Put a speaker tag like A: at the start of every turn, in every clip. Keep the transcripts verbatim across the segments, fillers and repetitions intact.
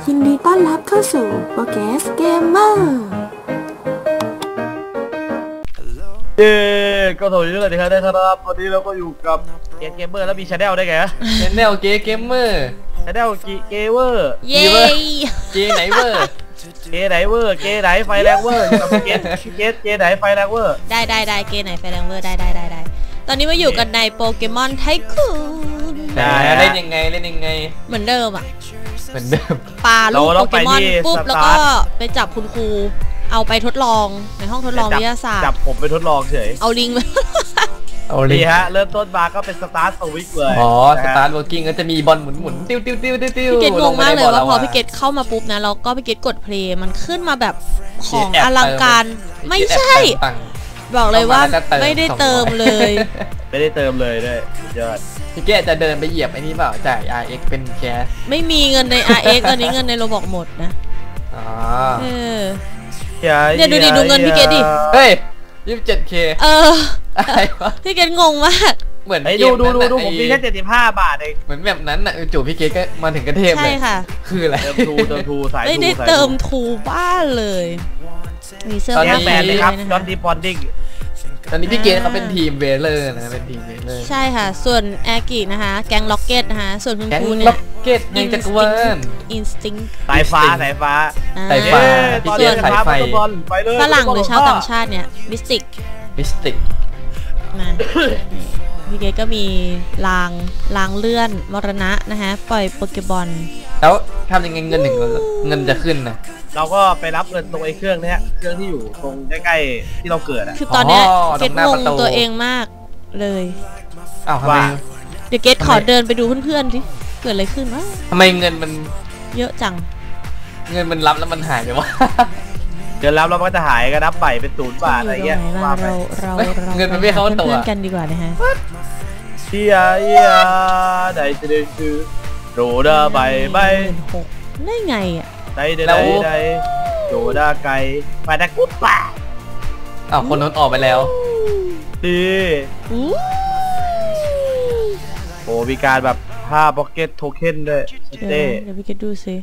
A: ยินดีต้อนรับเข้าสู่โปรแกรสเกมเมอร์
B: เย้ก็สวัสดีทุกท่านที่ได้ครับวันนี้เราก็อยู่กับเกมเกมเมอร์แล้วมีชาแนลได้ไงฮะ
C: ชาแนลเกมเกมเมอร์
B: ชาแนลกีเกเวอร์
D: เย้
C: เกไหนเวอร์
B: เกไหนเวอร์เกไหนไฟแรงเวอร์กับเกเกเกไหนไฟแรงเวอร์
D: ได้ได้ได้เกไหนไฟแรงเวอร์ได้ได้ได้ได้ตอนนี้มาอยู่กันในโปเกมอนไทคูน
C: ได้เล่นยังไงเล่นยังไง
D: เหมือนเดิมอ่ะ
C: เหมือนเดิม
D: ปลาลูกโปเกมอนปุ๊บแล้วก็ไปจับคุณครูเอาไปทดลองในห้องทดลองวิทยาศาสตร์
B: จับผมไปทดลองเฉย
D: เอาลิงไป
C: เอาลิ
B: งฮะเริ่มต้นมาก็เป็นสตาร์ทสวิตช์เลย
C: อ๋อสตาร์ทเวิร์กิ้งก็จะมีบอลหมุนหมุนติ้วติ้วติ้วติ้ว
D: พี่เกดงงมากเลยว่าพอพี่เกดเข้ามาปุ๊บนะเราก็พี่เกดกดเพลย์มันขึ้นมาแบบของอลังการไม่ใช่บอกเลยว่าไม่ได้เติมเลย
B: ไม่ได้เติมเลยด้วยยอด
C: พี่เกดจะเดินไปเหยียบไอ้นี่เปล่าจ่าย อาร์ เอ็กซ์ เป็นแคส
D: ไม่มีเงินใน อาร์ เอ็กซ์ ตอนนี้เงินในโรบอกหมดนะ
C: อ๋อ
D: เออเนี่ยดูดิดูเงินพี่เกดดิ
C: เฮ้ยยี่สิบเจ็ดเค
D: เอออะไรวะพี่เกดงงมาก
C: เหมือน
B: ดูดูดูดูผมมีแค่เจ็ดสิบห้าบาทเอง
C: เหมือนแบบนั้นน่ะจู่พี่เกดก็มาถึงกระเทพเลย
D: ใช่ค่ะ
C: คืออะไร
B: เติมทูเติมทูสายทู
D: ไม่ได้เติมทูบ้านเลยมีเสื้อผ้า
B: แบนเลยครับจอร์นดีบอนดิ้ง
C: ตอนนี้พี่เกดเขาเป็นทีมเวเลอร์นะเป็นทีมเวเลอร์
D: ใช่ค่ะส่วนแอกินะคะแก๊งล็อกเก็ตนะคะส่วนคุณครูเนี่ย
C: ล็อกเก็ตยังจักรวาล
D: อินสติ้ง
B: สายฟ้าสายฟ้า
C: สายฟ้าพี่เกดสายไฟ
D: ฝรั่งหรือชาวต่างชาติเนี่ยมิสติก
C: มิสติก
D: นะพี่เกดก็มีรางรางเลื่อนมรณะนะคะปล่อยโปเกบอล
C: แล้วทำยังไงเงินหนึ่งเงินจะขึ้นนะ
B: เราก็ไปรับเงินตรงไอ้เครื่องนี้เครื่องที่อยู่ตรงใกล้ๆที่เราเกิดอ่ะ
D: คือตอนเนี้ยเกดงงตัวเองมากเลย
C: อ้าวทำไม
D: เดี๋ยวเกดขอเดินไปดูเพื่อนๆสิเกิดอะไรขึ้นวะ
C: ทำไมเงินมัน
D: เยอะจัง
C: เงินมันรับแล้วมันหายไปวะ
B: เงินรับแล้วมันก็จะหายก็นับใหม่เป็นศูนย์บาทอะไรเงี้ย
D: ว่าไปเรา
C: เงินมันไม่เข้าตัว
D: กันดีกว่านะฮะ
B: เฮียเฮียได้จะได้ซื้อโรดาใบใบ
D: ได้ไงอ่ะ
B: ได้ได้ได้โรดาไก่ไปตะกุ๊บป่า
C: อ้าวคนนั้นออกไปแล้ว
B: ดีโอ้มีการแบบห้าพ็อกเก็ตโทเค็นด้วย
D: เต้เดี๋ยวพี่เกดดูสิ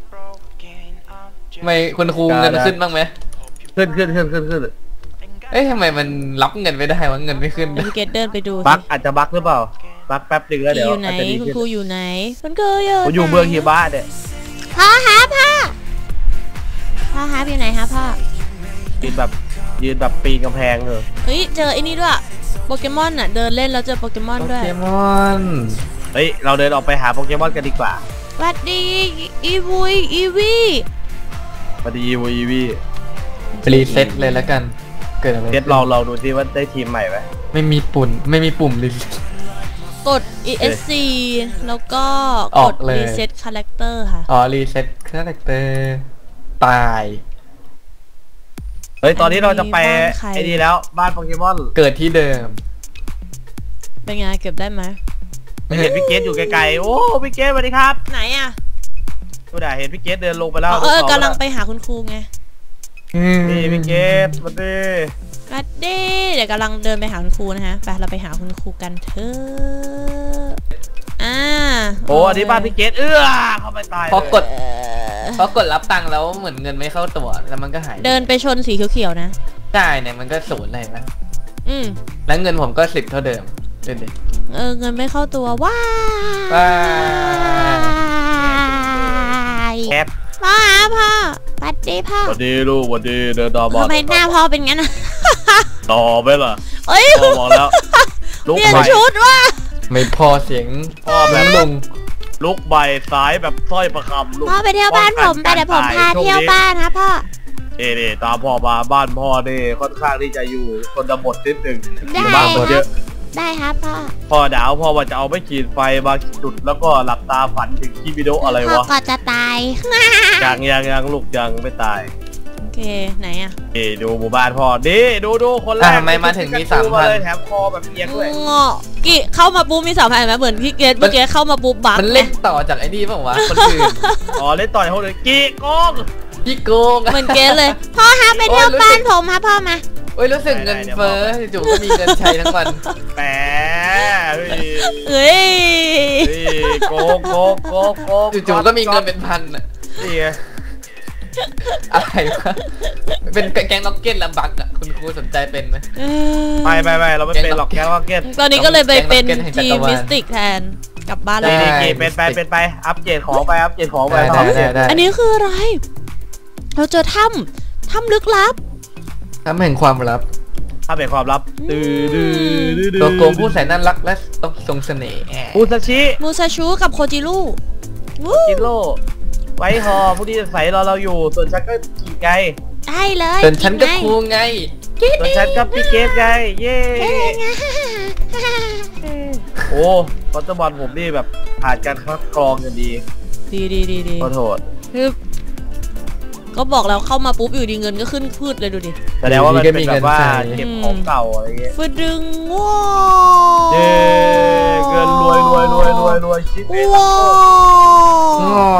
C: ทำไมคุณครูเงินขึ้นบ้างไหม
B: ขึ้นขึ้นขึ้นขึ้นขึ้น
C: เอ๊ะทำไมมันรับเงินไม่ได้วะเงินไม่ขึ้น
D: พี่เกดเดินไปดู
B: บักอาจจะบักหรือเปล่าบักแป๊บนึงแล้วเดี๋ยว
D: อาจจะดีขึ้นคุณครูอยู่ไหนคุณครูอยู่
B: ผมอยู่เมืองฮิบะเนี่ย
D: พ่อฮะพ่อพ่อฮะอยู่ไหนฮะพ่อ
B: ยืนแบบยืนแบบปีนกำแพงเลย
D: เฮ้ยเจอไอ้นี่ด้วยโปเกมอนอ่ะเดินเล่นแล้วเจอโปเกมอนด้วย
C: โปเกมอน
B: เฮ้ยเราเดินออกไปหาโปเกมอนกันดีกว่า
D: สวัสดีอีวุยอีวี
B: สวัสดีอีวุยอีวี
C: รีเซ็ตเลยแล้วกันเกิดอะไร
B: เซ็ตลองลองดูซิว่าได้ทีมใหม่ไหม
C: ไม่มีปุ่มไม่มีปุ่มรี
D: กด อี เอส ซี แล้วก็กด reset character ค่ะ
C: อ๋อ reset character ตาย
B: เฮ้ยตอนนี้เราจะไปไอ้นี่แล้วบ้านโปเกมอน
C: เกิดที่เดิม
D: เป็นไงเก็บได้ไหม
B: ไม่เห็นพี่เกตอยู่ไกลๆโอ้พี่เกตสวัสดีครับ
D: ไหนอ่ะ
B: ดูด่าเห็นพี่เกตเดินลงไปแล้ว
D: เออกำลังไปหาคุณครูไง
B: นี่พี่เกตสวัสดี
D: สวัสดีเดี๋ยวกำลังเดินไปหาคุณครูนะฮะไปเราไปหาคุณครูกันเถอะอ่า
B: โอ้อันนี้บ้านพี่เกตเอื้อเข้าไปตาย
C: พอกดพอกดรับตังค์แล้วเหมือนเงินไม่เข้าตัวแล้วมันก็หาย
D: เดินไปชนสีเขียวๆนะ
C: ใช่เนี่ยมันก็ศูนย์เลยนะ
D: อืม
C: แล้วเงินผมก็สิบเท่าเดิมเดินดิ
D: เออเงินไม่เข้าตัวว้าย
B: แคท
D: พ่อพ่อสวัสดีพ่อ
B: สวัสดีลูกสวัสดีเดินต่อบ้าน
D: ทำไมหน้าพ่อเป็นงั้นอะ
B: ต่อไปล่ะ
D: เอ้ย
B: พ่อบอกแล้ว
D: ลุกใบชุดว่า
C: ไม่พอเสียง
B: พ่อแบบลงลุกใบสายแบบสร้อยประคำ
D: ลูกพ่อไปเที่ยวบ้านผมไปเดี๋ยวผมพาเที่ยวบ้านนะพ่อ
B: เอ๋ตามพ่อมาบ้านพ่อเนี่ยค่อนข้างที่จะอยู่คนดำหมดนิดนึง
D: บ้านเยอะได้ครับพ่อ
B: พ่อดาวพ่อว่าจะเอาไม่ขีดไฟมาจุดแล้วก็หลับตาฝันถึงคลิปวิดีโออะไรวะพ่อ
D: ก็จะตาย
B: ยังยังยังลูกยังไม่ตาย
D: โอเคไหนอ่ะ
B: เอ๋ดูหมู่บ้านพ่อดิดูดูคนแรก
C: ทำไมมาถึงมีสามพัน
B: แถมคอแบบเอียงด้วย
D: งอกี่เข้ามาปุ๊บมีสามพันไหมเหมือนพี่เกดเมื่อกี้เข้ามาปุ๊บบัก
C: มันเล่นต่อจากไอ้นี่ป่าววะคนอื่น
B: อ๋อเล่นต่อจากคนอื่นกี่โกง
C: พี่โกง
D: เหมือนเกดเลยพ่อฮะไปเที่ยวบ้านผมฮะพ่อมา
C: โอ้ยรู้สึกเงินเฟ้อจู่ก็มีเงินใช้ทั้งวัน
B: แหม
D: เฮ้ย
B: โกงโกงโกงโกง
C: จู่ก็มีเงินเป็นพันอ่ะ
B: นี่ไง
C: อะไรวะเป็นแก๊งล็อกเก็ตและบักอะคุณครูสนใจเป็นไหม
D: เออ
B: ไม่ไม่ไม่เราไม่เป็นหรอกแก๊งล็อกเก็ต
D: ตอนนี้ก็เลยไปเป็น
C: แก๊ง Rocket แห่งจั
D: ที
C: กร
D: ม
C: วาล
D: มิสติกแทนกลับบ้านแล้
B: นี่
D: ว
B: นี่กี่เป็นไปเป็นไปอัปเกรดของไปอัปเกรดของไป
C: ได้
B: อัปเกร
C: ได้
B: ด
C: ได้
D: อันนี้คืออะไร เราเจอถ้ำถ้ำลึกลับ
C: ทำแห่งความลับ
B: ถ้าเป็นความลับตื้อดื้อดื้อดื้อ
C: ตัวโกงผู้แสนน่ารักและต้องทรงเสน่ห์
B: ปูซาชิ
D: มูซาชูกับโคจิรุวู้
B: กิโลไว้หอผู้ที่จะใส่รอเราอยู่ส่วนฉันก็ขี่ไกล
D: ได้เลย
C: ส่วนฉันก็ครูไง
B: ส่วนฉันก็พี่เกฟไงเย้โอ้คอนเตอร์บอลผมนี่แบบผ่านการคัดกรองกันดี
D: ดีดีดีดี
B: ขอโทษ
D: คือก็บอกแล้วเข้ามาปุ๊บอยู่ดีเงินก็ขึ้นพืชเลยดูดิ
B: แสดงว่ามันเป็นแบบว่าเก็บของเก่าอะไรเงี้ย
D: ฟึดดึงว้า
B: เย้เงินรวยรวยรวยรวยรวยชิปเอง
D: ว้า
C: อ๋อ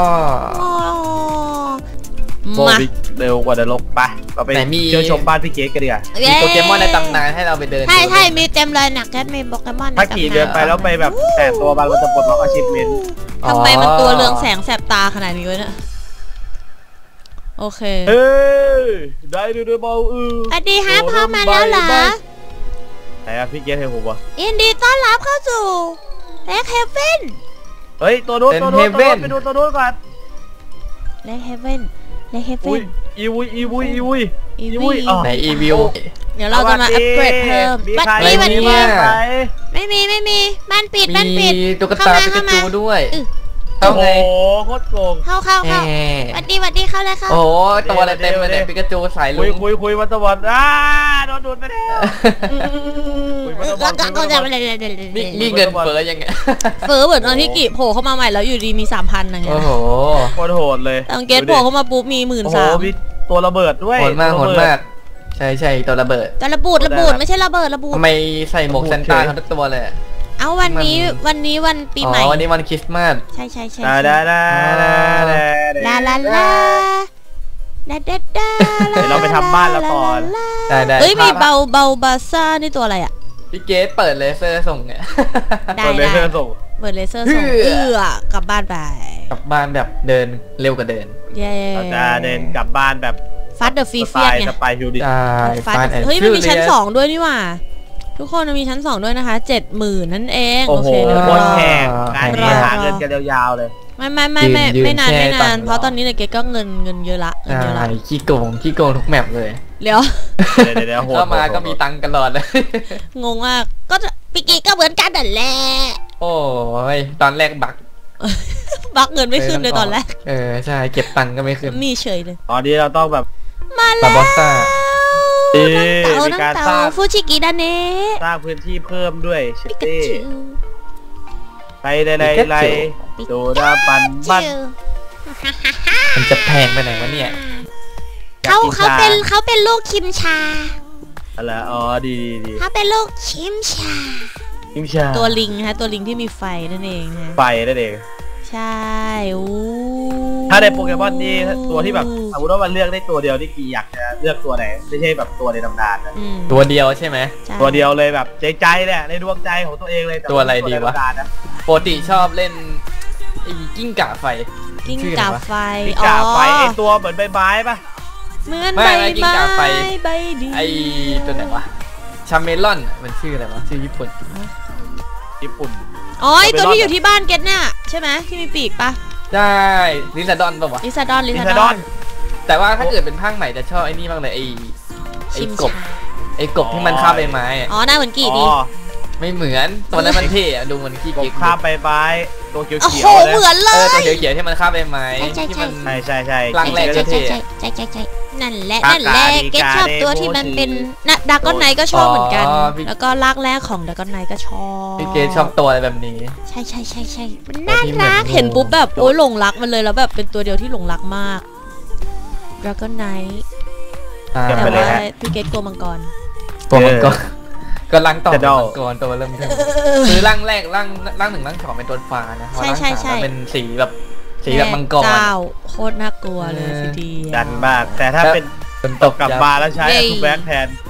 B: โบ
D: มา
B: บิเร็วกว่าเดินลกไปเราไป
C: ไหนมี
B: เที่ยวชมบ้านพี่เกฟกันดีกว่า
C: มีโปเกมอนในตำนานให้เราไปเดิน
D: ใช่ใช่
C: ดู
D: มีเต็มเลยหนักแก๊สมีโปเกมอนใน
B: ถ้าขี่
D: ตำ
B: เดินไปแล้วไปแบบแต่ตัวมันมันจะปลดล็อกอาชีพเมน
D: ทำไมมันตัวเรืองแสงแสบตาขนาดนี้วะเนี่ยโอเค
B: เฮ้ยได้ดูดูเบาอือ
D: สวัสดีฮะพ่อมาแล้วเหรอ
B: ไหนอะพี่เกฟให้ผมวะ
D: ยินดีต้อนรับเข้าสู่แล็กเฮเว่น
B: เฮ้ยตัวโน้นตัวโน้นตัวโน้นไปดูตัวโน้นก่อน
D: แล็กเฮเว่นแล็กเฮเว่
B: อุ้ย
D: น
B: อีวุยอีวุยอีวุย
D: อี
B: อีวุ
D: วี
B: ยอ๋อ
C: ไหนอีวิว
D: เดี๋ยวเราจะมาอัปเกรดเพิ่ม
B: มี
D: บัต
B: ใคร
D: ตี้บัต
C: อะไร
D: ตี้
C: เนี่ย
B: ไหม
D: ไม่มีไม่มีบ้านปิดบ้าน
C: มี
D: ปิด
C: ตุ๊กตาปิกาจูด้วย
D: อื้อ
B: โอ้
C: เข้า
B: โห
C: ไง
B: โคตรโกง
D: เข้าเข้า
C: แห
D: เข้าบัตตี้บัตตี้เข้าเลยเข้า
C: โอ้โหตัวอะไรเต็มเลยเนี่ยปิกาจูสายลุ
B: คุย
C: ง
B: คุยคุยมาตะวันอ้าโดนดูดไปแล้วคุยมาตะวัน
D: ก็
B: คุย
D: ก็
B: มา
D: จะ
B: ตะวัน
C: นี่นี่เงินเฟ้อยังไง
D: เฟอเหมือนตอนที่กิโผล่เข้ามาใหม่แล้วอยู่ดีมีสามพันอะไรเงี้
C: โอ้
D: ย
C: โห
B: โคตรโหดเลย
D: ตอนเกตโผล่เข้ามาปุ๊บมีหมื่น
B: โอ้โห
D: สาม
B: มีตัวระเบิดด้วย
C: โหดมากโห
B: ตัว
C: ด
B: ระเบิ
C: มาก ใช่ใช่ตัวระเบิด
D: แต่ระบูดระบูดไม่ใช่ระเบิดระบูด
C: ทำไมใส่หมวกเซนต้าทั้งตัวเลย
D: เอาวันนี้วันนี้วันปีใหม่
C: อ๋อวันนี้วันคริสต์มาส
D: ใช่ใช่ใช่
B: ดาดาดาดา
D: ลาลาลาดาดาดา
B: เดี๋ยวเราไปทำบ้านแล้วก่อน
C: ได้ได้
D: เฮ้ยมี
C: ภาพ
D: เบาเบาบาซ่านี่ตัวอะไรอ่ะ
C: พี่เกสเปิดเลเซอร์ส่งเนี่ย
D: ได้
B: เปิดเล
D: ได้
B: เซอร์ส่ง
D: เปิดเลเซอร์ส่ง
C: เอื้อ
D: เอื้อกลับบ้านไป
C: กลับบ้านแบบเดินเร็วกว่าเดิน
D: เย้
B: เราจะเดินกลับบ้านแบบ
D: ฟัดเดอะฟี
B: ส
D: เฟี
B: ไต
D: ย
B: ล์
D: ไง
B: สไปร์ฮิวดิ
C: ใช่
D: ฟัด
C: Fast and
D: เฮ้ยมันมีชั้น
C: Furious
D: สองด้วยนี่หว่า ทุกคนมันมีชั้นสองด้วยนะคะเจ็ดหมื่นนั่นเอง
B: โอ้
D: โอ
B: โห
D: เคเดี๋ยว
B: โค
D: ร
B: ตร
D: อ
B: แพงงานนี้หาเงินกันยาวๆเลย
D: ไม่ไม่ไม่ไม่
C: ยืน
D: ไม่นาน
C: ยืน
D: ไม่
C: แช่
D: นาน
C: ตังค์
D: เพราะตอนนี้เนี่ยเกดก็เงินเงินเยอะละเงิน
C: ใช่
D: เยอะละ
C: ขี้โกงขี้โกงทุกแมปเลย
D: เดี๋ยว
B: เดี๋ยวเดี๋ยวเดี๋ยวโหด
C: เข้ามา
B: โหด
C: ก็มีตังค์กันหลอดเลย
D: งงมากก็จะปิกิก็เหมือนกันนั่นแหละ
C: โอ้ยตอนแรกบัก
D: บักเงินไม่ขึ้นเลยตอนแรก
C: เออใช่เก็บตังค์ก็ไม่ขึ้น
D: มีเฉยเลย
B: ตอนนี้เราต้องแบบ
D: มา
C: บา
D: แล้ว
C: บอสซ่า
B: เอ๊ะ
D: น้ำ
B: มี
D: เต่า
B: การ
D: น้ำ
B: สร้า
D: เต่าง ฟูจิกิดาเนะ
B: สร้างพื้นที่เพิ่มด้วยชิ
D: ปิกา
B: ตี้
D: จู
B: ไปได้ไรไรโดดาปันบ้าน
D: จิ๋ว
C: มันจะแพงไปไหนวะเนี่ย
D: เขาเขาเป็นเขาเป็นลูกคิมชา
B: อะไรอ๋อดีดีดี
D: เขาเป็นลูกคิมชา
B: ยิมชา
D: ตัวลิงนะคะตัวลิงที่มีไฟนั่นเองนะ
B: ไฟนั่นเอง
D: ใช่อู้
B: ถ้าในโปเกมอนนี่ตัวที่แบบสมมติว่ามันเลือกได้ตัวเดียวนี่กี่อยากจะเลือกตัวไหนไม่ใช่แบบตัวในตำนานนะ
D: อืม
C: ตัวเดียวใช่ไหม
D: ใช่
B: ตัวเดียวเลยแบบใจใจเนี่ยในดวงใจของตัวเองเลย
C: ตัวอะไรดีวะ
B: ในตำนานนะ
C: ปกติชอบเล่นไอ้กิ้งก่าไฟ
D: กิ้ง
C: ชื่อ
D: ก่า
C: อะไรวะ
D: ไฟ
B: มีกาไฟไอตัวเหมือนใบไม้ปะ
D: เหมือน
C: ไม่
D: ใบ
C: ไม่กิ้ง
D: ไม้
C: ก่าไฟ
D: ใบเดียว
C: ไอ้ตัวไหนวะชาเมลอนอะมันชื่ออะไรวะชื่อญี่ปุ่น
B: ญี่ปุ่น
D: อ๋อไอตัว
B: Camelon
D: ที่อยู่ที่บ้านเกตเนี่ยใช่ไหมที่มีปีกปะ
C: ใช่ลิซาดอนป่าวะ
D: ลิซาดอนลิ
B: ลิ
D: ซา
B: ซา
D: ด
B: ด
D: อ
B: อน น
C: แต่ว่าถ้าเกิดเป็นภาคใหม่จะชอบไอ้นี่บ้างเลยไอ้ไอ้
D: ชิม
C: กบ
D: ชา
C: ไอ้กบที่มันคาบใบไม้อะ
D: อ๋อหน้าเหมือนกี่ดี
B: อ๋อ
C: ไม่เหมือนตัวนั้นมันเท่อะดูมันขี้
B: ก
C: เกี
B: บ
C: ยจ
B: ข้ามใบไม้ตัวเขียว
D: โอ้
B: เขี
D: โห
B: ยว
D: เหมือนเล
C: เออย ตัวเขียวๆที่มันคาบใบไม้
D: ใช่ใช่
C: ที่มัน
B: ใช่ใช่ใช่
C: ร่างแรก
D: ใช่
C: เท่
D: ใช่ใช่ใช่ใช่นั่นแหละ
B: กา
D: นั่นแหละ
B: กาดี
D: เกตชอบ
B: กาเด
D: ตัวที่มัน
B: โมจิ
D: เป็นนะดากอนไนก็ชอบเหมือนกัน
C: อ๋อพี่
D: แล้วก็ลากแรกของดากอนไนก็ชอบ
C: พี่เกดชอบตัวอะไรแบบนี้
D: ใช่ใช่ใช่ใช่มัน
C: ตัว
D: น่า
C: ที่เหมือน
D: รัก
C: งู
D: เห็นปุ๊บแบบโอ้ยหลงรักมันเลยแล้วแบบเป็นตัวเดียวที่หลงรักมากดากอนไน
C: อ่า
B: เก็บ
D: แต่
B: ไปเลย
D: ว่า
B: ฮะ
D: พี่เกตกลัวมังกร
C: ตัวมังกรก็ร่างต่อ
B: จะเดา
C: มังกรตัวเริ่มเทิมคือร่างแรกร่างร่างหนึ่งร่างสองเป็นตัวฟ้านะพอร่าง
D: ใช่ใช่
C: สามมันเป็นสีแบบสีแบบมังกร
D: เจ้าโคตรน่ากลัวเลย
C: เออ
D: ทีเดียว
B: ดันมาก แต่ถ้าเป็น
C: เป็นตก
B: กลับมาแล้วใช้
D: เย้
B: ทูแบ็กแทน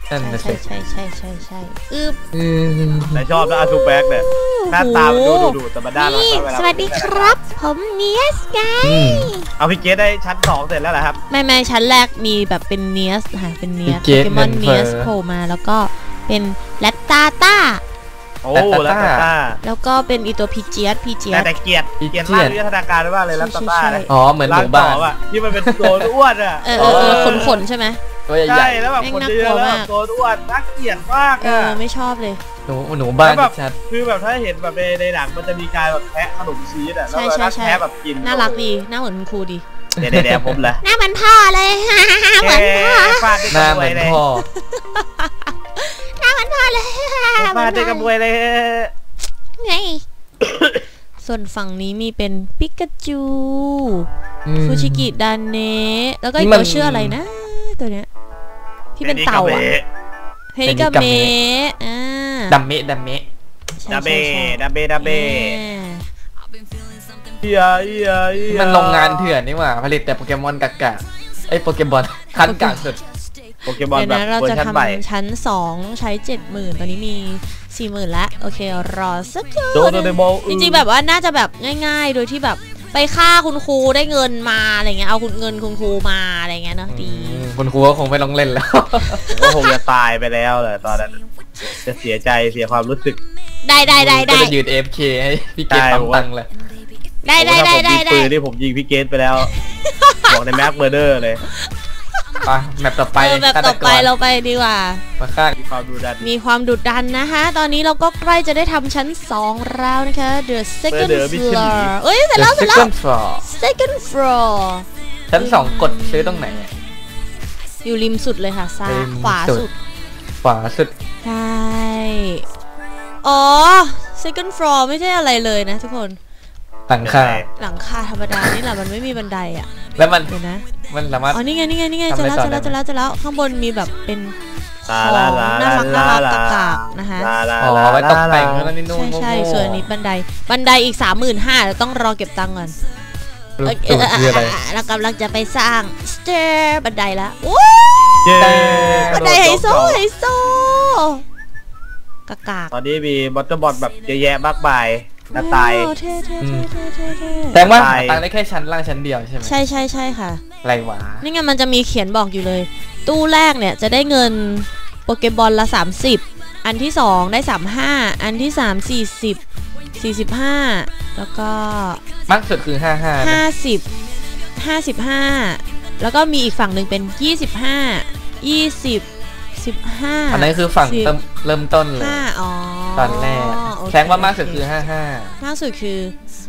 C: นั่นนะ
D: ใช่
C: สิ
D: ใช่ใช่ใช่ใช่อึบ
C: อืม
B: แต่ชอบนะอาซูแบ็กเนี่ยหน้าตามันดูดุดุแต่มันน่ารัก
D: นี่
B: นะเวลา
D: สวัสดีครับ ผมเนียสไง
C: อืม
B: เอาพี่เกสได้ชั้นสองเสร็จแล้วเหรอครับ
D: ไม่ไม่ชั้นแรกมีแบบเป็นเนียสค่ะเป็นเนียส
C: พี่
D: โป
C: เกรซ
D: เกมอน
C: เงินเฟ้
D: เนี
C: อ
D: ยสโผล่มาแล้วก็เป็นแรตตาต้า
B: โอ้
C: แล้
B: แล้ว ว
C: ตา
B: ตา
D: แล้วก็เป็นอีตัวพีเจียสพีเจีย
B: แต่
D: ส
B: แต่เกียรติ
C: อีเกี
B: เกี
C: ย
B: ย
C: ร
B: ร
C: ติ
B: ติมากวิทยาการมากเลยแล้วตาต้าเนี่ย
C: อ๋อเหมือนหมู่บ้าน
B: ร่งต่ออะที่มันเป็นตัวอ้วนอ่ะ
D: เออเออเออขนขนๆใช่ไหม
C: ตัวให
B: ใช่
C: ญ่
B: แล้วแบบ
D: แม่ง
B: คน
D: น่า
B: เย
D: กลั
B: อะ
D: ว
B: แล้ว
D: มา
B: แบ
D: ก
B: บตัวอ้วนน่าเกลียดมาก
D: เอ
B: อ่ะ
D: อไม่ชอบเลย
C: ๆหนูหนูบ้าน
B: แล้วแบบ
C: ชัด
B: คือแบบถ้าเห็นแบบในในหนังมันจะมีการแบบแทะขนมชีสอ่ะแล้วแบบแทะแบบกิน
D: น่ารักดีหน้าเหมือนคุณครูดี
B: เดี๋ยวเดี๋ยวผมละ
D: หน้าเหมือนพ่อเลย เหมือนพ่อ
B: ฟาดด้วย
C: หน้าก
B: ระ
C: เห
B: บว
C: มื
B: ย
C: อน
B: เลย
C: พ่อ
D: หน้าเหมือนพ่อเลย
B: ฟาดด้วยกระบวยเลย
D: ไงส่วนฝั่งนี้มีเป็นปิกาจู
C: อืม
D: ฟูชิกิดานเนะแล้วก็อี
C: นี่
D: ก
C: มัน
D: ตัวชื่ออะไรนะ ตัวเนี้ยที่เป็นเต่าอะเฮนิกาเมะอ่า
C: ดัมเมะดัมเมะ
D: ใช่
B: ดาเบ
D: ใช่ใช่
B: ดาเบดาเบ
D: อ่า
B: เอียเอียเอีย
C: มันโรงงานเถื่อนนี่หว่าผลิตแต่โปเกมอนกากาไอ้ยโปเกมอนคันกากสุด
B: โปเกมอน
D: เดี๋ยว
B: แบบ
D: นะเรา
B: เวอ
D: จะ
B: ร์ชันใหม่
D: ทำชั้นสองต้องใช้เจ็ดหมื่นตอนนี้มีสี่หมื่นแล้วโอเครอสักครู่
B: โดโดเดโม
D: จริงๆแบบว่าน่าจะแบบง่ายๆ โดยที่แบบไปฆ่าคุณครูได้เงินมาอะไรเงี้ยเอาคุณเงินคุณครูมาอะไรเงี้ยเนอะดี
C: อืมคุณครูก็คงไม่ต้องเล่นแล้ว
B: ผมก็คงจะตายไปแล้วเลยตอนนั้นจะเสียใจเสียความรู้สึก
D: ได้ได้ได้
C: ก็
D: ได้
C: จะยืน เอ เอฟ เค ให้พี่เกด
B: ใช่
C: ปั๊ม
B: ผมว่า
C: ตังค์เลย
D: ได้ได้ได้ได้
B: ผม
D: ได้
B: ถ้าผมยิงปืนที่ผมยิงพี่เกตไปแล้ว บอกในแม็กเบอร์เดอร์เลย
C: ไปแมปต่อไป
D: เออแบบต่อไปเราไปดีกว่า
C: มาฆ่า
B: มีความดูดัน
D: มีความดุดันนะคะตอนนี้เราก็ใกล้จะได้ทำชั้นสองแล้วนะคะ The second floor เอ้ยเสร็จแล้วเสร็จแล้ว
C: second floor
D: second floor
C: ชั้นสองกดซื้อตรงไหนอะ
D: อยู่ริมสุดเลยค่ะซ้าย
C: ริม
D: ขวา
C: สุ
D: สุ
C: ด
D: ด
C: ขวาสุด
D: ใช่ อ๋อ second floor ไม่ใช่อะไรเลยนะทุกคน
C: หลังคา
D: หลังคาธรรมดานี่แหละมันไม่มีบันไดอ่ะ
C: แล้วมัน
D: เดี๋ยวนะ
C: มันสามารถ
D: อ๋อ นี่ไง นี่ไง นี่ไง
C: ทำ
D: เจะ
C: อะไร
D: แล้ว
C: ต่อ
D: เจะแล้ว
C: ได้
D: เจะ
C: ไหม
D: แล้วเจะแล้วข้างบนมีแบบเป็นข
B: ลา
D: อง
B: ลาลา
D: น่ารักน่า
B: ลา
D: รัก
B: ลาก
D: ากๆนะคะ
B: ลาลา
C: อ๋อไว้ตกแต่งแล้วนั่นนี่นู่น
D: ใช่ใช่
C: โง่ๆ
D: ส่วนอันนี้บันได บันไดอีกสามหมื่นห้าต้องรอเก็บตังค์ก่อน
C: รูป
D: เอ้ย
C: ตูดคืออะไร
D: เรากำลังจะไปสร้างสเตอร์บันไดแล้วโอ้
B: เย้
D: บันไดไฮโซไฮโซกากาก
B: ตอนนี้มีมอเตอร์บอลแบบเยอะแยะมากมายหน้าตาย
D: โอ้เท่เท่เท่เท่เท่เท่
C: แต่ว่า
B: ตาย
C: หาตังค์ได้แค่ชั้นล่างชั้นเดียวใช่ไหม
D: ใช่ใช่ใช่ค่ะ
C: ไรวะ
D: นี่ไงมันจะมีเขียนบอกอยู่เลย ตู้แรกเนี่ยจะได้เงินโปเกบอลละสามสิบอันที่สองได้สามห้าอันที่สามสี่สิบสี่สิบห้าแล้วก็
C: มากสุดคือห้าห้า
D: ห้าสิบห้าสิบห้าแล้วก็มีอีกฝั่งหนึ่งเป็นยี่สิบห้ายี่สิบสิบห้า
C: อันนั้นคือฝั่งเริ่มเริ่มต้นเลย
D: ห้าอ๋อ
C: ตอนแรก
D: โอเค
C: แสดงว่ามากสุดคือห้าห้าม
D: ากสุดคือ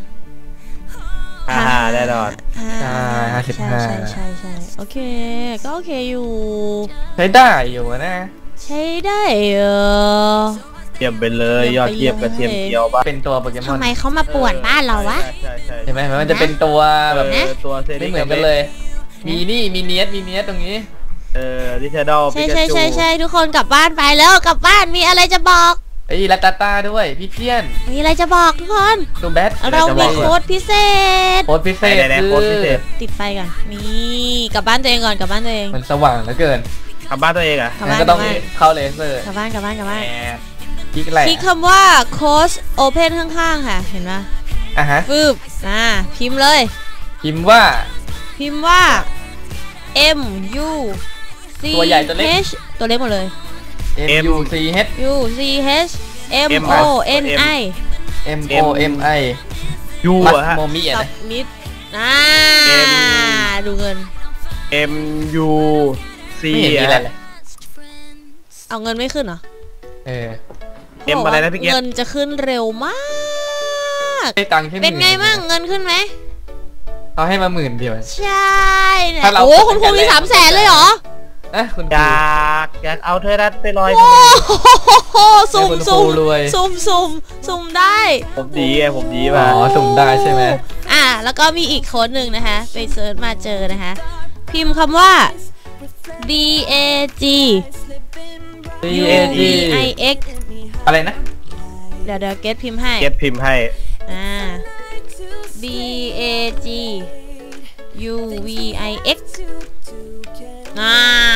B: อ่าแน่นอน
D: ใช่ห้าสิบห้าใช่ใช่ใช่โอเคก็โอเคอยู่
C: ใช้ได้อยู่นะ
D: ใช้ได้เออ
B: เยี่ยมไปเลยยอดเยี่ยมกระเทียมเจียวบ้าง
C: เป็นตัวโปเกมอน
D: ทำไมเขามาป่วนบ้านเราวะ
B: ใช่ใช่
C: เห็นไหมมันจะเป็นตัวแบบ
B: เออตัวเซ
C: ไม่เหมือนกันเลย มีนี่มีเนียสมีเนียสตรงนี้
B: เออดิเทดอล
D: ใช่
B: ปิกา
D: ใช่
B: จู
D: ใช่ใช่ทุกคนกลับบ้านไปแล้วกลับบ้านมีอะไรจะบอก
C: ไอ้ยลาตาตาด้วยพี่เจียน
D: มีอะไรจะบอกทุกคน
C: ตัวแบท
D: เรามีโค้ดพิเศษ
C: โค้ดพิเศษ
B: ไหนๆ
C: คื
B: โค้ดพิเศษ
D: ติดไฟก่อนนี่กลับบ้านตัวเองก่อนกลับบ้านตัวเอง
C: มันสว่างเหลือเกิน
B: ทำบ้านตัวเองอ่ะ
D: กลับ
C: งั้
D: บ้าน น
C: ก็
D: ก
C: ต้
D: ลั
C: อบ ง
D: บ้าน
C: เข้าเลเซอร์
D: กลับบ้านกลับบ้านกลับบ้าน
C: แหมคลิกอะไร
D: คลิกคำว่าโค้ดโอเพนข้างๆค่ะเห็นไหม
C: อ่ะฮะ
D: ฟึบอ่าพิมพ์เลย
C: พิมพ์ว่า
D: พิมพ์ว่า M U C
C: ตัวใหญ่ตัวเล็ก
D: H ตัวเล็กหมดเลย
C: M U C H
D: U C H M
B: M
D: O N I
C: M O M I
B: ยู
C: มัส
B: อะฮะ
C: โมมิอะ
D: สั
C: นะ
D: บมิดอ่า
B: M
D: ดูเงิน
B: M U C
C: ไม่เห็นมีอะไร
B: อะ
C: เลย
D: เอาเงินไม่ขึ้นเหรอ
C: เออ
B: เอ็มอะไรนะพี่เกศ
D: เงินจะขึ้นเร็วมาก
C: ได้ตังค์แค่ห
D: เป็นไง
C: มื่
D: บ้างเงินขึ้นไหม
C: เขาให้มาหมื่นเดียว
D: ใช่เนี่ย
C: ถ้าเรา
D: โอ้คุณครู
C: กด
D: มี
C: ตั้งแต่
D: สามแสนเลยเหรอ
C: นะคุณค
B: อ
C: รู
B: ยากอยากเอาเธอรัดไปลอย
D: โอ้โหซุ่ม
C: ให้คุณ
D: ซุ่ม
C: ครูรวย
D: ซุ่มซุ่มซุ่มได้
B: ผมดีไงผมดี
C: อ๋
B: มา
C: อสุ่มได้ใช่ไหม
D: อ่ะแล้วก็มีอีกโค้ดหนึ่งนะคะ ไปเซิร์ชมาเจอนะคะ พิมพ์คำว่า B A G
C: B
D: U
C: A G
D: V I X
C: อะไรนะ
D: เดี๋ยวเดี๋ยวเกตพิมพ์ให้
B: เก็ตพิมพ์ให้
D: อ่า B A G U V I X อ่า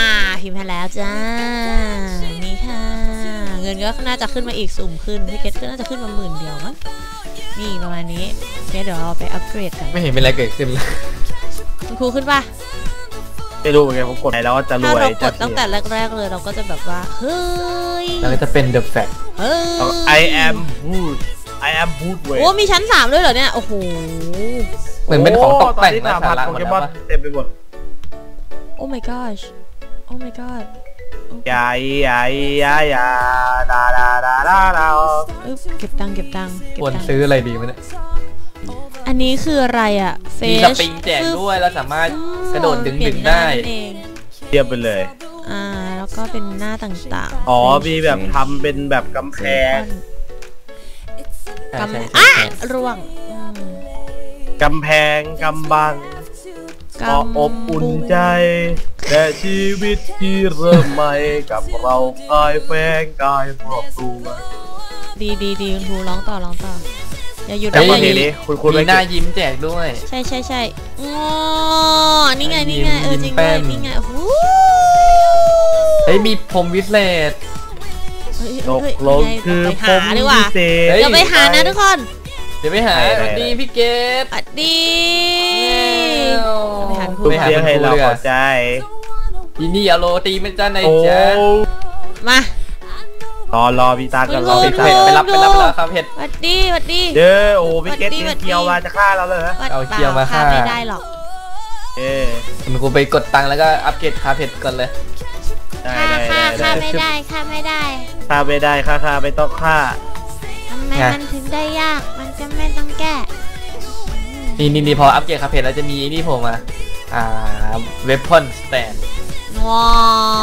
D: พิมพ์ให้แล้วจ้านี่ค่ะเงินก็น่าจะขึ้นมาอีกสุ่มขึ้นพี่เกตก็น่าจะขึ้นมาหมื่นเดียวมั้งนี่ประมาณนี้เดี๋ยวเราไปอัปเกรดกัน
C: ไม่เห็นเป็นอะไรเกิดขึ้นเลย
D: คุณครูขึ้นป่ะ
B: ไม่รู้เหมือนกันผมกดไหนแล้วจะร
D: ถ้า
B: วย
D: เราก
B: จะ
D: ดตั้งแต่แรกๆเลยเราก็จะแบบว่าเฮ้ย
C: แล้วก็จะเป็น The Fact
D: เฮ้ย
B: I am good I am good เว้ย
D: โอ้มีชั้นสามด้วยเหรอเนี่ยโอ้โห
C: เหมือนเป็นของตกแต่ง
B: นะ
C: นะสาระ
B: โป
C: หมด
B: เก
C: แล้ว
B: มอน
C: ปะ
B: เต็มไปหมด
D: โอ้ my gosh โอ้ my god
B: ยายยายยายยาดาดาดาดาดา
D: เอ้ยเก็บตังค์เก็บตังค์เก็บ
C: ควร
D: ตังค์
C: ซื้ออะไรดีมั้ยเนี่ย
D: อันนี้คืออะไรอ่ะเฟ
C: มี
D: ช
C: สปริงแจกด้วยแล้วสามารถกระโดดดึงดึงได้
D: เอง
B: เทียบไปเลย
D: อ่าแล้วก็เป็นหน้าต่างๆ
B: อ๋อมีแบบทำเป็นแบบกำแพง
C: ใช่
D: กำ
C: ใช่
D: อ่ะ
C: ใช่
D: ร่วงอืม
B: กำแพงกำบัง
D: กำ
B: ก็อบอุ่นใจ แต่ชีวิตที่เริ่มใหม่กับเรากายแฝงกายครอบครัว
D: ดีดีดีคุณครูร้องต่อร้องต่ออย่าหยุด
B: แต่
D: นะ
B: ว่า
D: อ
B: เพล
D: ย่าง หยุด
B: นี้คุณคุณ
C: มี
B: ไม่
C: หน้ายิ้มแจกด้วย
D: ใช่ใช่ใช่อ๋อนี่ไงนี่ไงเออจริง
C: ยิ้มแป้
D: ด้วย
C: น
D: นี่ไงโอ้โห
C: เฮ้ยมีพรมวิเศษ
D: เฮ้ย
B: ตก
D: เฮ้ย
B: ลง
D: ยังไง
B: คือ
D: ไป
B: ผ
D: หาม ดีกว่า
B: พิเศษ
C: เฮ้ย
D: เดี๋ยวไปหานะทุกคน
C: เดี๋ยวไปหา
B: ได้ได้
C: สวัสดีพี่เกด
D: สวัสดี
C: ไป
D: หา
B: ทุก
C: หา
B: เสียง
C: คุณ
B: ให้
C: ครู
B: เรา
C: เลย
B: เข้า
C: อะ
B: ใจ
C: ทีนี่เอาโรตีไหม่จ้าใน
B: โอ้
C: จ้า
D: มา
B: รอรอพี่ตากันรอ
D: คุ
B: พี่
D: ณ
B: ตา
D: ครู
C: ไปรับไปรับไปรับครับเห็ด
D: สวัสดีสวัสดี
B: เด้อโอ้พี่เกต
D: สวัสดีสวัสดี
B: เกียวมาจะฆ่าเราเลยเหรอ
D: วัด
C: เอาเคียวมา
D: ปล่
C: ฆ่า
D: ไม่ได้หรอก
B: เอ้ย
C: คุณครูไปกดตังค์แล้วก็อัปเกรดคาเผ็ดก่อนเลย
B: ได้
A: ฆ่า
B: ได้
A: ฆ่า
B: ได้
A: ฆ่า
B: ได้
A: ไม่ได้ฆ่าไม่ได้
B: ฆ่าไม่ได้ฆ่าฆ่าไม่ต้องฆ่า
A: ทำไมมันถึงได้ยาก มันจะไม่ต้องแก้
C: นี่นี่นี่พออัปเกรดคาเผ็ดแล้วจะมีนี่ผมมาอ่าเวพอนสแตน
D: ว้าว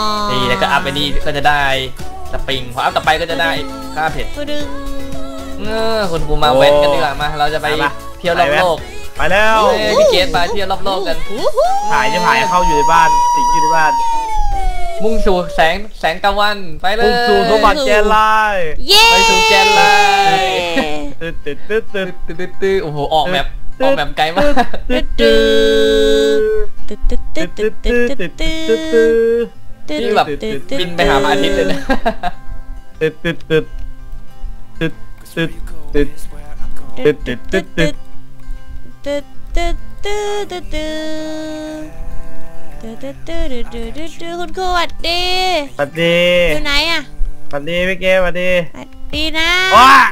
C: นี่แล้วก็อัพไปนี่ก็จะได้สปริงพออัพต่อไปก็จะได้คาเผ็ด
D: กูดึง
C: เออคุณครูมาเว้นกันดีกว่ามาเราจะไปเที่ยวรอบโลก
B: ไปแล้ว
C: เอ้ยพี่เกดมาเที่ยวรอบโลกกัน
D: อู้หู
B: ถ่ายจะถ่ายเข้าอยู่ในบ้านสิงอยู่ในบ้าน
C: มุ่งสู่แสงแสงตะวันไปเลย
B: พุ่งสู่สมบัติแกนไลน์
D: เย้
C: ไปสู่แกนไลน์
B: ตึ๊ดตึ๊ดตึ๊ดตึ๊ด
C: ตื้อตื้อตื้อโอ้โหออกแบบออกแบบไกลมาก
B: ตึ๊ด
D: ตึ๊
B: ตึ๊
D: ด
B: ด
D: ตึ๊ดตึ๊ดตึ๊ดตึ๊ด
B: ตึ๊
D: ตึ๊
B: ด
D: ด
B: ตึ๊
D: ตึ๊
B: ด
D: ด
B: ตึ๊ดตึ๊ด
D: ตึ๊ด
C: นี่แบบบินไปหาพระอาทิตย์เลยนะ
B: ตึ๊ดตึ๊ดตึ๊ดตึ๊ดตึ๊ดตึ๊ดตึ๊ดตึ๊ดตึ๊ดตึ๊ด
D: ตึ๊ดตึ๊ดตึ๊ดตึ๊ดตึ๊ดตึ๊ดตึ๊ดตึ๊ดตึ๊ดตึ๊ดตึ๊ดตึ๊ดคุณครูสวัสดี
B: สวัสดี
D: อยู่ไหนอะ
B: สวัสดีพี่เกสวัสดี
D: สวัสดีนะ
B: ว้า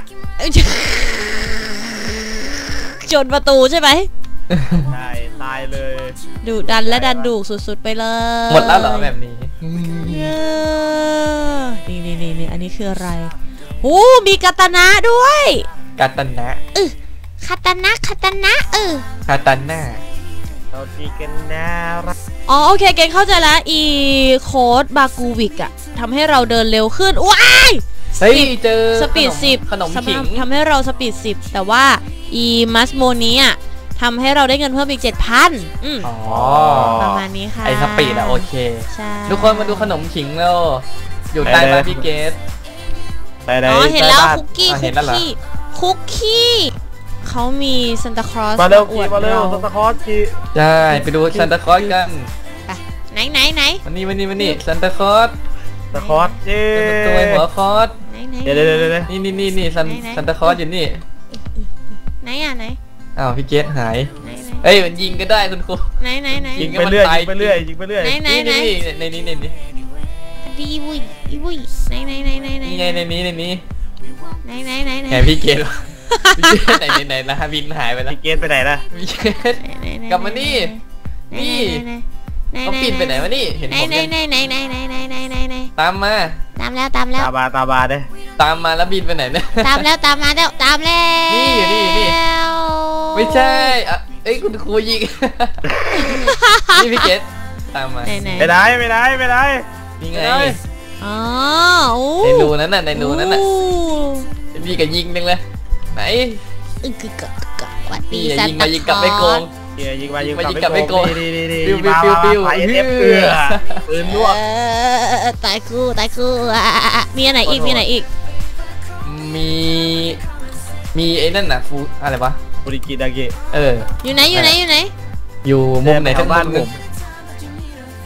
D: จนประตูใช่ไหม
B: ใช่ตายเลย
D: ดุดันและดันดุสุดๆไปเลย
C: หมดแล้วเหรอแบบนี้
D: เออนี่นี่นี่นี่อันนี้คืออะไรโอ้มีกาตานะด้วย
C: กาตันนะ
A: คาตานะคาตานะเออ
C: คาตันน่า
B: เราตีกันน่ารัก
D: อ๋อโอเคเกณฑ์เข้าใจแล้วอีโค้ดบากูวิกอะทำให้เราเดินเร็วขึ้นว้าย
C: เฮ้ยเจอ
D: สปีดสิบ
C: ขนมขิง
D: ทำให้เราสปีดสิบแต่ว่าอีมัสโมนี้อะทำให้เราได้เงินเพิ่มอีกเจ็ดพันอืม
C: อ๋อ
D: ประมาณนี้ค่ะ
C: ไอสปีดอะโอเค
D: ใช่
C: ทุกคนมาดูขนมขิงแล้วอยู่ใต้บ้านพี่เกส
B: ไปไหน
D: อ๋อเห็นแล้ว
B: ใต้บ้า
D: คุกกี้
C: อ่ะ
D: คุ
C: เห็
D: ก
C: นแล้วเหรอ
D: กี้คุกกี้เขามีซันตาคลอส
B: มาเร็ว
D: อ
B: กี
D: วด
B: มาเร็ว
D: เรา
B: สตาร์คอร์สกี
C: ใช่ไปดูซันตาคลอสกัน
D: ไหนไหนไหน
C: วันนี้วันนี้วันนี้ซันตาคลอส
B: สตาร์คอร์สเจ้
C: ตัวหัวคอส
D: ไหนไหน
B: เดี๋ยวเดี๋ยวเดี๋ยว
C: นี่นี่นี่นี่ซัน
D: ไหนไหน
C: ซันตาคลอสอยู่นี่
D: ไหนอ่ะไหน
C: อ้าวพี่เกสหาย
D: ไหนไหน
C: เอ้ยมันยิงก็ได้คุณครู
D: ไหนไหนไหน
C: ยิง
B: ยิงไปเรื่อยยิงไปเรื่อยยิงไปเรื่อย
D: ไหนไหน
C: นี่
D: ไหน
C: นี่นี่ในนี้ในนี้
D: ดีอีวุ้ยอีวุ้ยไหนไหนไหนไหนไหน
C: นี่ไงในนี้ในนี้
D: ไหนไหนไหนไหน
C: แหมพี่เกสพี่เกสไหนไหนไหนนะฮะบินหายไปแล้ว
B: พี่เกสไปไหนล่ะ
C: พี่เกส
D: ไหนไหน
C: กลับมานี่ นี่
D: ไหน
C: เขาปิดไปไหนวะนี่เห็น
D: ไหน
C: ผม
D: ไหน
C: ยัง
D: ไหนไหนไหนไหนไหนไหนไหนไหน
C: ตามมา
A: ตามแล้วตามแล้ว
B: ตาบาตาบาเด้
C: ตามมาแล้วบินไปไหนเนี่ย
A: ตามแล้วตามมาแล้วตามแล้ว
C: นี่อยู่นี่อยู่นี่ ไม่ใช่อ่ะเอ้ยคุณครูยิง นี่พี่เกสตามมา
D: ไหนไหน
B: ไปไหนไปไหนไปไหน
C: นี่ไง
D: อ๋อโอ้
C: ในรูนั้นน่ะในรูนั้นน่ะพี่ก็ยิงนึงเลยไหน
A: อึกกึกกึกกึกกึกสวัสดี
C: นี่
A: ซัน
C: ยิง
A: ตา
C: มายิงกลับไม่โกง
B: เกียยิงมายิง
C: ยิงมายิงกลับไม่โกง
B: ดีดีดี
C: ปิ้ว
B: มา
C: ปิ้ว
B: มา
C: ปิ้ว
B: มาเอฟ
C: ปิ้ว
B: เอือปืนลวก
A: เออตายคู่ตายคู่อ่ะ
D: มีอันไหนอีกมีอันไหนอีก
C: มีมีไอ้นั่นน่ะฟูอะไรวะ
B: บุริกิดาเกะ
C: เออ
D: อยู่ไหนอยู่ไหนอยู่ไหน
C: อยู่มุมไหนทั้ง
B: บ้าน
C: มุ
B: ผม ม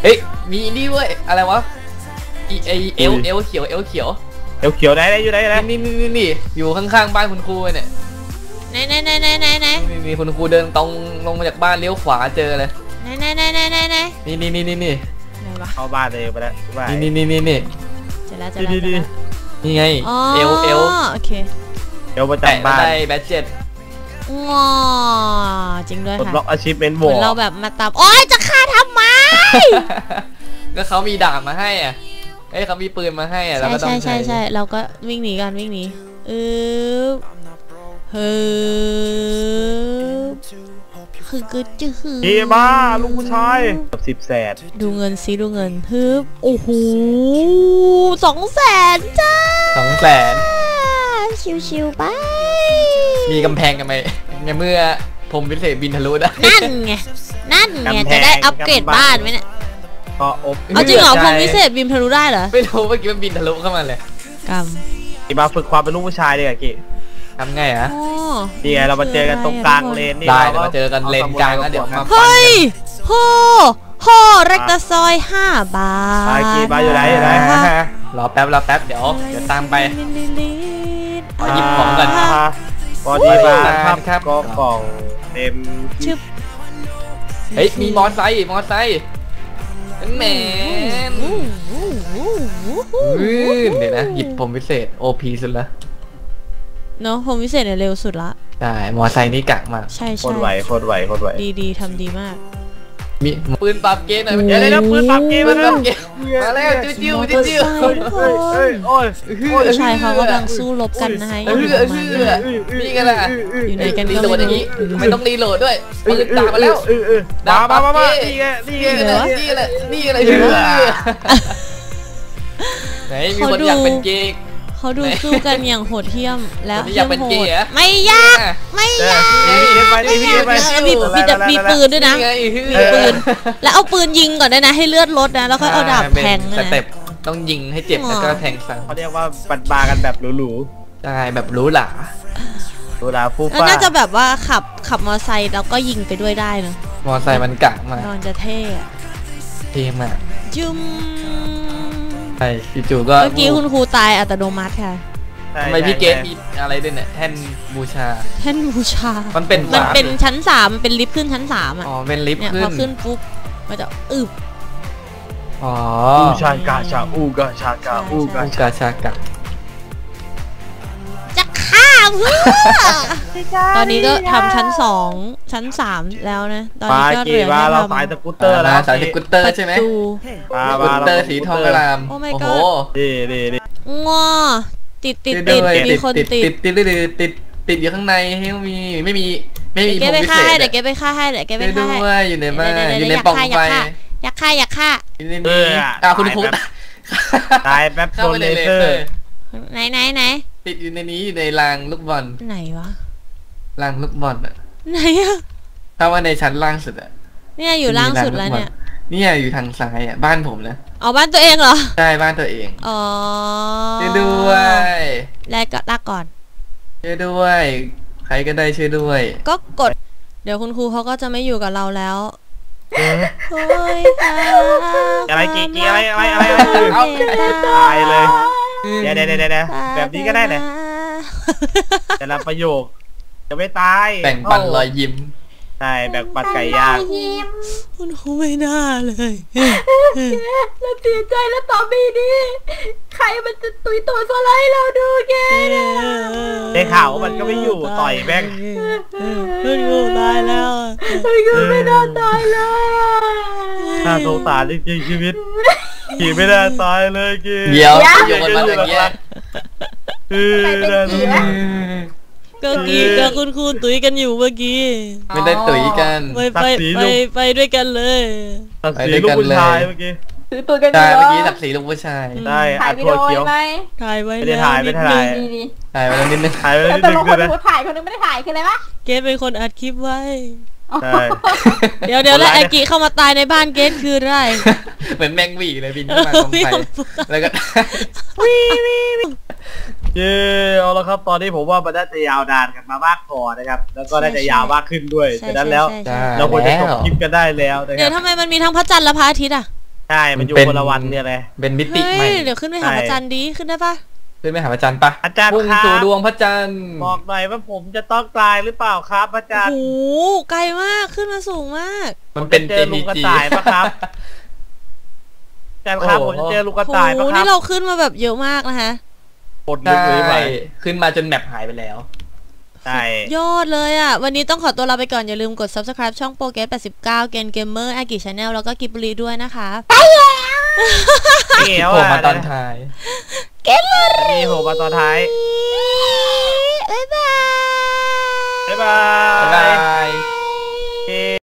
C: เฮ้ยมีนี่เว้ยอะไรวะอีไอเอลเอลเขียวเอลเขียว
B: เอวเขียวได้ได้อยู่ไหนนะ
C: นี่นี่นี่นี่อยู่ข้างๆบ้านคุณครูเนี่ย
D: ไหนไหนไหนไหนไหนไหน
C: นี่นี่คุณครูเดินตรงลงมาจากบ้านเลี้ยวขวาเจอเลย
D: ไหนไหนไหนไหนไหนไหน
C: นี่นี่นี่นี่นี่
D: ไหนวะ
B: เข้าบ้านเลยไปแล้วบ้าน
C: นี่นี่นี่นี่
D: เจอแล้วเจอแล้วเจอแล้ว
C: นี่ไง
D: อ๋อ
C: เอลเอล
D: โอเค
B: เอวประ
C: แตะ
B: จำบ้าน
C: ได้แบตเจ็ด
D: งอจริงด้วย
B: ปลด
D: ค่ะ
B: ล็อกอาชีพเป็น
D: เห
B: วอ
D: มือนเราแบบมาตามโอ๊ยจะฆ่าทำไม
C: ก็เขามีดาบมาให้อ่ะเอ้ยเขามีปืนมาให้อ่ะเรา
D: ใช่
C: ก็ต้อ
D: ใช่
C: ง
D: ใช่ใช่เราก็วิ่งหนีกันวิ่งหนีเออเฮ้ยคือคือจื้อ
B: เฮียบ้าลูกผู้ชายสิบแสน
D: ดูเงินซิดูเงินฮึบโอ้โหสองแสนจ้า
C: สองแสน
D: ชิวๆไป
C: มีกำแพงกันไหมในเมื่อผมพิเศษบินทะลุได้
D: นั่นไงนั่นไงจะได้อัปเกรดบ้านไหมเนี่ย
B: ก็อบ
D: เอาจริงเหรอผมพิเศษบิมทะลุได้เหรอ
C: ไม่รู้เมื่อกี้มันบินทะลุเข้ามาเลย
D: กรรม
B: อีมาฝึกความเป็นลูกผู้ชายดีกว่ากี้
C: ทำไงอะ
D: โอ้
B: นี่ไงเรามาเจอกันตรงกลางเลนนี่
C: ได้เดี๋ยวมาเจอกันเลนกลางแล้วเดี๋ยวมา
D: เฮ้ยโหโหรักตะซอยห้าบาท
B: ไปกี้มาอยู่ไหนอยู่ไหน
C: รอแป๊บรอแป๊บเดี๋ยวเดี๋ยวตามไป ขอหยิบของก่อน
B: พอดีมา
C: ครับ
B: ครับก็กล่องเต็ม
D: ชึบ
C: เฮ้ยมีมอไซค์มอไซค์แหมนเดี๋ยวนะหยิบผมพิเศษ โอ พี สุดละ
D: เนาะผมพิเศษเนี่ยเร็วสุดละ
C: ได้มอไซค์นี่กะมาก
D: ใช่
B: โค
D: ใช่
B: ตรไหวโคตรไหวโคตรไหว
D: ดีดีทำดีมาก
C: มีปืนปรับเกณฑ์หน่อย
B: เดี๋ยวเดี๋ยวปืนปรับเกม
C: ปื
B: มาน
C: ป
B: แล้
C: รั
B: ว
C: บเกณฑ์มาแล้วจิ้วจิ้วจิ้วจิ้ว
B: เฮ้ยเฮ้ยเฮ้ยโอ้ย
D: ผู้ชายเขากำลังสู้รบกันนะฮะ
C: เออเออเออนี่กันล่ะ
D: อยู่ไหนกัน
C: รี
D: ก็
C: โหลดอย่างนี้ไม่ต้องรีโหลดด้วยปืนตามมาแล้ว
B: มามามามานี่ไงนี่ไง
C: นี่แหละนี่แหละนี่แหละไหนมีคนอยากเป็นเกย์
D: เขาดูสู้กันอย่างโหดเหี้ยมแล้ว
C: คนที่อยากเป็นเกย์เหรอ
D: ไม่ยากไม่ยาก
B: นี่ไปนี่ไป
D: เออมีมีแต่มีปืนด้วยนะ มีปืนแล้วเอาปืนยิงก่อนด้วยนะให้เลือดลดนะแล้วก็เอาดาบแทง
C: ส
D: นะ
C: เต็ปต้องยิงให้เจ็บแล้วก็แทงซ้
B: เขาเรียกว่าปัดบากันแบบหรู
C: ำได้แบบรู้หลา
B: ๆดูดาฟู
D: แล้ว
B: ฟ้า
D: น่าจะแบบว่าขับขับมอเตอร์ไซค์แล้วก็ยิงไปด้วยได้เนอะ
C: มอไซค์มันกะมาก
D: นอนจะเท่อะ
C: เท่มาก
D: จุ๊ม
C: ใช่จู่ๆก็
D: เมื่อกี้คุณครูตายอัตโนมัติค่ะ
C: ทำไมพี่เกตมีอะไรด้วยเนี่ยแท่นบูชา
D: แท่นบูชา
C: มันเป็น
D: มันเป็น
C: วาร์ป
D: ชั้นสามมันเป็นลิฟต์ขึ้นชั้นสามอ่ะ
C: อ๋อเป็นลิฟต์
D: เนี่ย
C: ขึ้
D: พอน ขึ้นปุ๊บมันจะอึบ
C: อ๋อ
B: อูชากาชาอูกาชากาอูกา
C: บู
B: ชา
C: ชาชากะ
D: จะฆ่าเพื่อ ตอนนี้ก็ทำชั้นสองชั้นสามแล้วนะ ตอน
B: ปา
D: นี้ก็เห
B: กี
D: ลือ
B: มา
D: แค่
B: เรา
D: ทำ
B: สายสกูตเตอร์แล้ว
C: สายสกูตเตอร์ใช่ไหม
D: ประตู
B: มา
C: สกู
B: มา
C: ตเตอร์สีทองกระลาม
D: โอ้ my
C: โอ้โห
D: god
B: ดีดีดี
D: งอติดติด
C: ติ
D: ติ
C: ด
D: ด
C: ด้วย
D: มีคน
C: ติด
D: ติ
C: ติ
D: ด
C: ดติดติดติดติดอยู่ข้างในให้มีไม่มีไม่มี
D: เดี๋ยว
C: ผ
D: เก็บ
C: ม
D: ไป
C: พิ
D: ฆ่า
C: เศษ
D: ให้เดี๋ยวเก็บไปฆ่าให้เดี๋ยวเก็บไป
C: ช่วย
D: ฆ่าให้
C: ด้วยอยู่ในบ้าน
D: เดี๋ยว
C: อยู่
D: เดี๋
C: ใน
D: ยว
C: ปล่อง
D: อยาก
C: ไฟ
D: ฆ่าอยากฆ่าอยากฆ่า
C: อยู่ใน
B: เอ
C: นี้
B: อ
C: อ้าวคุณครู
B: ตายแป๊บ
C: เข้า
B: โด
C: ไป
B: น
C: ใน
B: เล
C: เล
B: เซอ
C: เซอ
B: ร์
C: ร์
D: ไหนไหนไหน
C: ติดอยู่ในนี้อยู่ในรางลูกบอล
D: ไหนวะ
C: รางลูกบอลอะ
D: ไหนอะ
C: ถ้าว่าในชั้นล่างสุดอะ
D: เนี่ยอยู่ล่างสุดแล้วเนี่ย
C: เนี่ยอยู่ทางซ้ายอะบ้านผมนะ
D: เอาบ้านตัวเองเหรอ
C: ใช่บ้านตัวเอง
D: อ๋อ
C: ช่วยด้วย
D: แลกก็ลากก่อน
C: ช่วยด้วย ใครก็ได้ช่วยด้วย
D: ก็กด เดี๋ยวคุณครูเขาก็จะไม่อยู่กับเราแล้วโอ้ยค่ะ
B: อะไรกี่กี่อะไรอะไรอะไรอะไร
C: เอา
B: ตายเลย เดี๋ยวเดี๋ยวเดี๋ยวเดี๋ยวแบบนี้ก็ได้นะแต่ละประโยคจะไม่ตาย
C: แบ่งปันรอยยิ้ม
B: ใช่แบ่งปันไก่ย่าง
D: คุณครูไม่น่าเลย
A: เราเสียใจแล้วต่อไปนี้ใครมันจะตุยตัวสไลด์เราดูแก
B: ได้ข่าวว่ามันก็ไม่อยู่ต่อยแม่ง
D: คุณครูตายแล้ว
A: ไอ้กูไม่น่าตายเลย
B: น่าสงสารจริงๆชีวิตกี่ไม่น่าตายเลยกี่
C: เดี๋ยวอยู่บนมาอย่างเงี้ย
B: เออน่าสงสาร
D: ก็กี้กับคุณครูตุ๋ยกันอยู่เมื่อกี้
C: ไม่ได้ตุ๋ยกัน
D: ไปไปไปไปด้วยกันเลย
B: ตัดสีลูกผู้ชายเมื่อกี้
A: ถือตัวกันอ
C: ใช่
A: ยู่
C: เมื่อกี้สักสีลูกผู้ชาย
B: ได้
A: ถ่า
B: อั
A: ย
B: ด
A: วิ
B: ถั่
A: ดี
B: ว
A: โอ
B: เขียว
A: ไหม
D: ถ่ายไว้
B: ไม่ได้ถ่ายไม่ได้ถ่าย
A: ดีดี
C: ถ่ายไปแล้วนิดนึง
B: ถ่ายไว้
A: แล้ว
B: นิด
A: ต
B: นึ
A: ก
B: ง
A: ลง
B: ด้วย
A: คน
B: นะ
A: คนถ่ายคนนึงไม่ได้ถ่ายคืออะไรวะ
D: เกดเป็นคนอัดคลิปไว้
B: ใช่
D: เดี๋ยวเดี๋ยวแล้วไอกิเข้ามาตายในบ้านเกดคืออะไร
C: เหมือนแมงหวีเลยบินขึ้นมาตรงไฟแล้วก็
B: เย้เอาละครับตอนนี้ผมว่ามันน่าจะยาวนานกันมามากพอนะครับแล้วก็น่าจะยาวมากขึ้นด้วย
D: ใช่
B: ฉะนั้นแล้ว
D: ใช่ใช่
B: เราควรจะจบคลิปกันได้แล้วนะค
D: เดี๋ย
B: รั
D: ว
B: บ
D: ทำไมมันมีทั้งพระจันทร์และพระอาทิตย์อ่ะ
B: ใช่มันอยู่คนละวันเนี่ยเลย
C: เป็นมิติ
D: เฮ้
C: ใหม่
D: ยเดี๋ยวขึ้นไปหาพระจันทร์ดีขึ้นได้ปะ
C: ขึ้นไปหาพระจันทร์ปะ
B: อาจารย์
C: พุ่ง
B: ครับ
C: สู่ดวงพระจันทร์
B: บอกหน่อยว่าผมจะต้องตายหรือเปล่าครับอาจาร
D: โอ้
B: ย์
D: โหไกลมากขึ้นมาสูงมาก
C: มันเป็น
B: เจอลุงกระต่ายปะครับ อาจารย์ครับผมจะเจอลูกกระ
D: โอ้
B: ต่าย
D: โห
B: ปะครั
D: นี่
B: บ
D: เราขึ้นมาแบบเยอะมากนะคะ
B: ปลดลึกเลยไป
C: ใช่ขึ้นมาจนแมปหายไปแล้ว
B: ใช่
D: ยอดเลยอ่ะ วันนี้ต้องขอตัวลาไปก่อน อย่าลืมกด ซับสไครบ์ ช่องโปรเกรสแปดสิบเก้าเกนเกมเมอร์อากิชาแนลแล้วก็กิบบุรีด้วยนะคะ
B: เกี่ยว
C: โผล่
B: อ่ะ
C: มาตอนท้าย
D: เกมบุรี
B: นี่โผล่มาตอนท้าย
D: บ๊ายบาย
B: บ๊ายบา
C: บ๊ายบาย ย